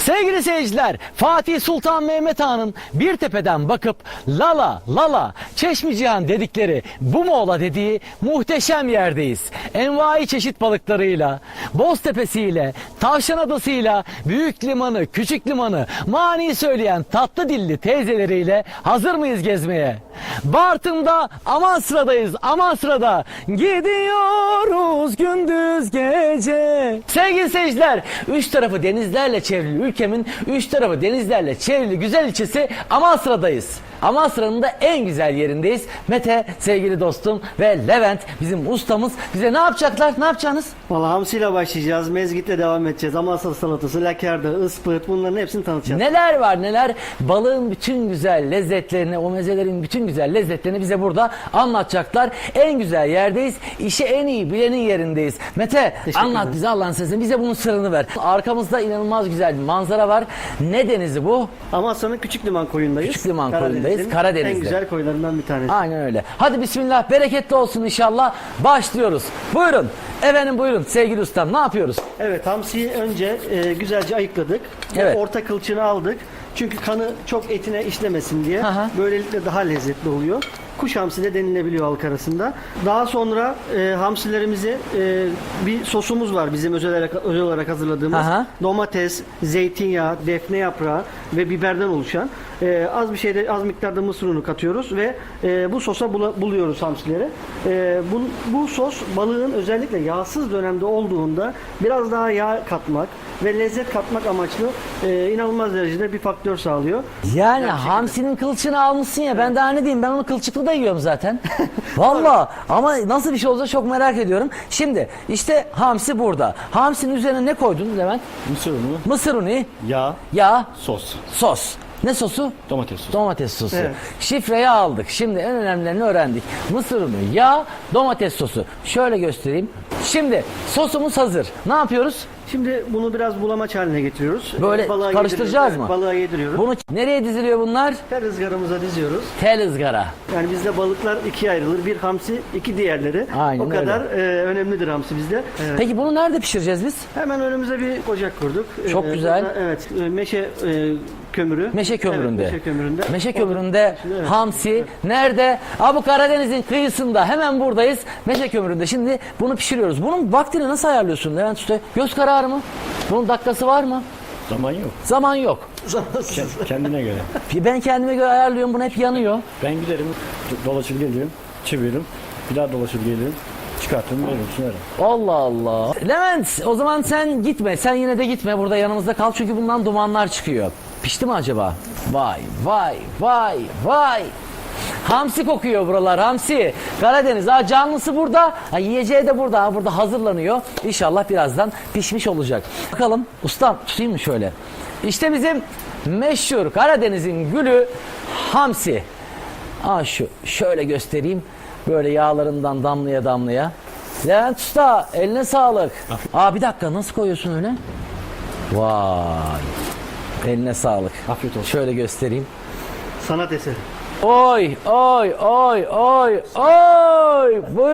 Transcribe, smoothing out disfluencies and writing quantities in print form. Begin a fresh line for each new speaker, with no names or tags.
Sevgili seyirciler, Fatih Sultan Mehmet Han'ın bir tepeden bakıp Lala Lala Çeşmicihan dedikleri bu mu ola dediği muhteşem yerdeyiz. Envai çeşit balıklarıyla, Boztepe'siyle, Tavşan Adası'yla, büyük limanı, küçük limanı, mani söyleyen tatlı dilli teyzeleriyle hazır mıyız gezmeye? Bartın'da Amasra'dayız, Amasra'da gidiyoruz gündüz gece. Sevgili seyirciler, üç tarafı denizlerle çevrili ülkemin üç tarafı denizlerle çevrili güzel ilçesi Amasra'dayız. Amasra'nın da en güzel yerindeyiz. Mete sevgili dostum ve Levent bizim ustamız bize ne yapacaklar? Ne yapacaksınız?
Valla hamsiyle başlayacağız, mezgitle devam edeceğiz. Amasra salatası, lakerda, ıspıt, bunların hepsini tanıtacağız.
Neler var neler? Balığın bütün güzel lezzetlerini, o mezelerin bütün güzel lezzetlerini bize burada anlatacaklar. En güzel yerdeyiz. İşi en iyi bilenin yerindeyiz. Mete anlat bize Allah'ın sesini. Bize bunun sırrını ver. Arkamızda inanılmaz güzel bir manzara var. Ne denizi bu?
Amasra'nın Küçük Liman koyundayız.
Küçük Liman koyundayız. Karadeniz'de.
En güzel koylarından bir tanesi.
Aynen öyle. Hadi bismillah, bereketli olsun inşallah. Başlıyoruz. Buyurun. Efendim buyurun sevgili ustam, ne yapıyoruz?
Evet, hamsiyi önce güzelce ayıkladık.
Evet.
Orta kılçığını aldık. Çünkü kanı çok etine işlemesin diye.
Aha.
Böylelikle daha lezzetli oluyor. Kuş hamsi de denilebiliyor halk arasında. Daha sonra hamsilerimizi bir sosumuz var bizim özel olarak hazırladığımız.
Aha.
Domates, zeytinyağı, defne yaprağı ve biberden oluşan az miktarda mısır unu katıyoruz ve bu sosa buluyoruz hamsileri. Bu sos balığın özellikle yağsız dönemde olduğunda biraz daha yağ katmak ve lezzet katmak amaçlı inanılmaz derecede bir faktör sağlıyor.
Yani hamsinin kılçığını almışsın ya, ben daha ne diyeyim, ben onu kılçıklı da yiyorum zaten. Valla ama nasıl bir şey olacak çok merak ediyorum. Şimdi işte hamsi burada. Hamsinin üzerine ne koydun Levent?
Mısır unu,
Mısır unu,
yağ,
sos.
sos,
Ne sosu?
domates sosu.
Domates sosu.
Evet.
Şifreyi aldık. Şimdi en önemlilerini öğrendik. Mısır unu, yağ, domates sosu. Şöyle göstereyim. Şimdi sosumuz hazır. Ne yapıyoruz?
Şimdi bunu biraz bulamaç haline getiriyoruz.
Böyle
Balığa
karıştıracağız
yediriyoruz.
mı?
Evet, balığa yediriyoruz.
Bunu nereye diziliyor bunlar?
Tel ızgaramıza diziyoruz.
Tel ızgara.
Yani bizde balıklar ikiye ayrılır. Bir hamsi, iki diğerleri.
Aynen
o kadar önemlidir hamsi bizde. Evet.
Peki bunu nerede pişireceğiz biz?
Hemen önümüze bir ocak kurduk.
Çok güzel.
Burada, evet, meşe kömürü.
Meşe kömüründe.
Evet, meşe kömüründe.
Meşe kömüründe
Evet.
hamsi nerede? Bu Karadeniz'in kıyısında, hemen buradayız. Meşe kömüründe. Şimdi bunu pişiriyoruz. Bunun vaktini nasıl ayarlıyorsun Levent Usta? Göz kararı mı? Bunun dakikası var mı?
Zaman yok.
Zaman yok.
Kendine göre.
Ben kendime göre ayarlıyorum. Bunu hep yanıyor.
Ben giderim, dolaşıp geliyorum, çeviririm, bir daha dolaşıp geliyorum, çıkartırım, veririm, sunarım.
Allah Allah. Levent, o zaman sen gitme. Sen yine de gitme. Burada yanımızda kal. Çünkü bundan dumanlar çıkıyor. Pişti mi acaba? Vay vay vay vay. Hamsi kokuyor buralar, hamsi. Karadeniz, canlısı burada. Yiyeceği de burada. Burada hazırlanıyor. İnşallah birazdan pişmiş olacak. Bakalım ustam, tutayım mı şöyle? İşte bizim meşhur Karadeniz'in gülü hamsi. Şöyle göstereyim. Böyle yağlarından damlaya damlaya. Levent Usta, eline sağlık. Bir dakika, nasıl koyuyorsun öyle? Vay. Eline sağlık.
Afiyet olsun.
Şöyle göstereyim.
Sanat eseri.
Oy oy oy oy oy.